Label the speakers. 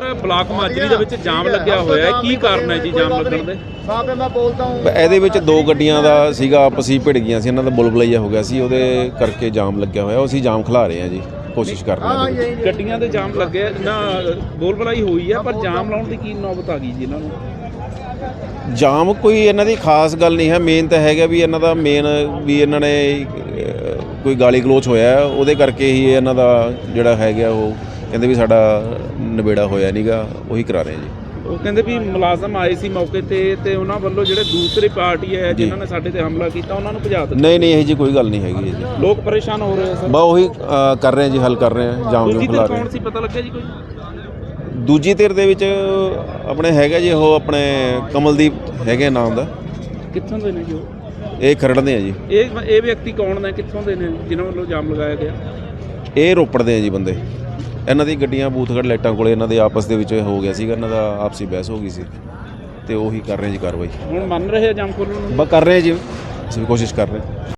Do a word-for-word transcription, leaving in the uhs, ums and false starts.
Speaker 1: Block Majri ਦੇ ਵਿੱਚ ਜਾਮ ਲੱਗਿਆ ਹੋਇਆ ਹੈ, ਕੀ ਕਾਰਨ ਹੈ ਜੀ ਜਾਮ ਲੱਗਣ ਦੇ?
Speaker 2: ਇਹਦੇ ਵਿੱਚ ਦੋ ਗੱਡੀਆਂ ਦਾ ਸੀਗਾ, ਆਪਸ ਹੀ ਭਿੜ ਗਈਆਂ ਸੀ, ਇਹਨਾਂ ਦਾ ਬੁਲਬੁਲਈਆ ਹੋ ਗਿਆ ਸੀ, ਉਹਦੇ ਕਰਕੇ ਜਾਮ ਲੱਗਿਆ ਹੋਇਆ। ਉਹ ਅਸੀਂ ਜਾਮ ਖਿਲਾ ਰਹੇ ਹਾਂ ਜੀ, ਕੋਸ਼ਿਸ਼ ਕਰ ਰਹੇ ਹਾਂ।
Speaker 1: ਗੱਡੀਆਂ ਦੇ ਜਾਮ ਲੱਗਿਆ ਨਾ, ਬੋਲਬਲਾਈ ਹੋਈ ਹੈ, ਪਰ ਜਾਮ ਲਾਉਣ ਦੀ ਕੀ ਨੌਬਤ ਆ ਗਈ ਜੀ ਇਹਨਾਂ ਨੂੰ?
Speaker 2: ਜਾਮ ਕੋਈ ਇਹਨਾਂ ਦੀ ਖਾਸ ਗੱਲ ਨਹੀਂ ਹੈ। ਮੇਨ ਤਾਂ ਹੈਗਾ ਵੀ ਇਹਨਾਂ ਦਾ ਮੇਨ ਵੀ ਇਹਨਾਂ ਨੇ ਕੋਈ ਗਾਲੀ ਗਲੋਚ ਹੋਇਆ, ਉਹਦੇ ਕਰਕੇ ਹੀ ਇਹਨਾਂ ਦਾ ਜਿਹੜਾ ਹੈਗਾ ਉਹ ਕਹਿੰਦੇ ਵੀ ਸਾਡਾ ਨਿਬੇੜਾ ਹੋਇਆ ਨਹੀਂਗਾ, ਉਹੀ ਕਰਾ ਰਹੇ ਜੀ।
Speaker 1: ਉਹ ਕਹਿੰਦੇ ਵੀ ਮੁਲਾਜ਼ਮ ਆਏ ਸੀ ਮੌਕੇ ਤੇ ਤੇ ਉਹਨਾਂ ਵੱਲੋਂ ਜਿਹੜੇ ਦੂਸਰੀ ਪਾਰਟੀ ਹੈ ਜਿਨ੍ਹਾਂ ਨੇ ਸਾਡੇ ਤੇ ਹਮਲਾ ਕੀਤਾ ਉਹਨਾਂ ਨੂੰ ਭਜਾ ਦਿੱਤਾ।
Speaker 2: ਨਹੀਂ ਨਹੀਂ ਇਹ ਜੀ ਕੋਈ ਗੱਲ ਨਹੀਂ ਹੈਗੀ ਜੀ।
Speaker 1: ਲੋਕ ਪਰੇਸ਼ਾਨ ਹੋ ਰਹੇ ਸਰ।
Speaker 2: ਬਾ ਉਹੀ ਕਰ ਰਹੇ ਜੀ, ਹੱਲ ਕਰ ਰਹੇ ਹਾਂ, ਜਾਮ ਜੂਮ ਖਿਲਾ ਰਹੇ।
Speaker 1: ਕੌਣ ਸੀ ਪਤਾ ਲੱਗਿਆ ਜੀ ਕੋਈ?
Speaker 2: ਦੂਜੀ ਧਿਰ ਦੇ ਵਿੱਚ ਆਪਣੇ ਹੈਗਾ ਜੀ ਉਹ ਆਪਣੇ ਕਮਲਦੀਪ ਹੈਗੇ ਨਾਮ ਦਾ।
Speaker 1: ਕਿੱਥੋਂ ਦੇ ਨੇ ਜੀ ਉਹ?
Speaker 2: ਇਹ ਖਰੜਦੇ ਆ ਜੀ।
Speaker 1: ਇਹ ਇਹ ਵਿਅਕਤੀ ਕੌਣ ਨੇ, ਕਿੱਥੋਂ ਦੇ ਨੇ ਜਿਨ੍ਹਾਂ ਵੱਲੋਂ ਜਾਮ ਲਗਾਇਆ ਗਿਆ?
Speaker 2: ਇਹ ਰੋਪੜ ਦੇ ਆ ਜੀ ਬੰਦੇ। ਇਹਨਾਂ ਦੀ ਗੱਡੀਆਂ ਬੂਥਗੜ੍ਹ ਲਾਈਟਾਂ ਕੋਲੇ ਇਹਨਾਂ ਦੇ ਆਪਸ ਦੇ ਵਿੱਚ ਹੋ ਗਿਆ ਸੀਗਾ, ਇਹਨਾਂ ਦਾ ਆਪਸੀ ਬਹਿਸ ਹੋ ਗਈ ਸੀ ਤੇ ਉਹੀ ਕਰ ਰਹੇ ਜੀ ਕਾਰਵਾਈ।
Speaker 1: ਹੁਣ ਮੰਨ ਰਹੇ ਆ ਜਾਮ ਖੋਲ੍ਹਣ ਨੂੰ?
Speaker 2: ਬਸ ਕਰ ਰਹੇ ਜੀ, ਅਸੀਂ ਵੀ ਕੋਸ਼ਿਸ਼ ਕਰ ਰਹੇ।